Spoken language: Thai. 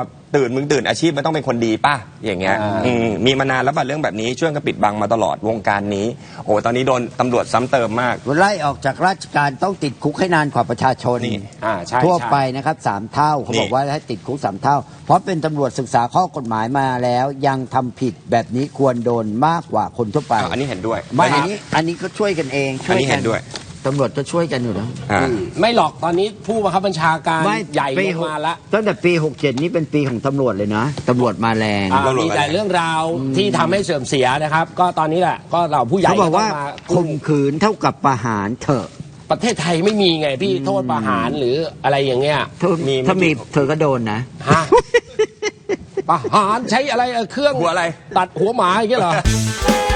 มึงตื่นอาชีพมันต้องเป็นคนดีป่ะอย่างเงี้ยมีมานานแล้วป่ะเรื่องแบบนี้ช่วยกันปิดบังมาตลอดวงการนี้โอ้ตอนนี้โดนตำรวจซ้ำเติมมากไล่ออกจากราชการต้องติดคุกให้นานกว่าประชาชนใช่ทั่วไปนะครับ3 เท่าเขาบอกว่าให้ติดคุก3 เท่าเพราะเป็นตำรวจศึกษาข้อกฎหมายมาแล้วยังทำผิดแบบนี้ควรโดนมากกว่าคนทั่วไปอันนี้เห็นด้วยไม่อันนี้ก็ช่วยกันเองอันนี้เห็นด้วยตำรวจก็ช่วยกันอยู่นะไม่หรอกตอนนี้ผู้บังคับบัญชาการใหญ่ลงมาแล้วตั้งแต่ปี67นี่เป็นปีของตำรวจเลยนะตำรวจมาแรงมีแต่เรื่องราวที่ทำให้เสื่อมเสียนะครับก็ตอนนี้แหละก็เราผู้ใหญ่เขาบอกว่าข่มขืนเท่ากับประหารเถอะประเทศไทยไม่มีไงพี่โทษประหารหรืออะไรอย่างเงี้ยถ้ามีเธอก็โดนนะประหารใช้อะไรเครื่องหัวอะไรตัดหัวหมาอย่างเงี้ยเหรอ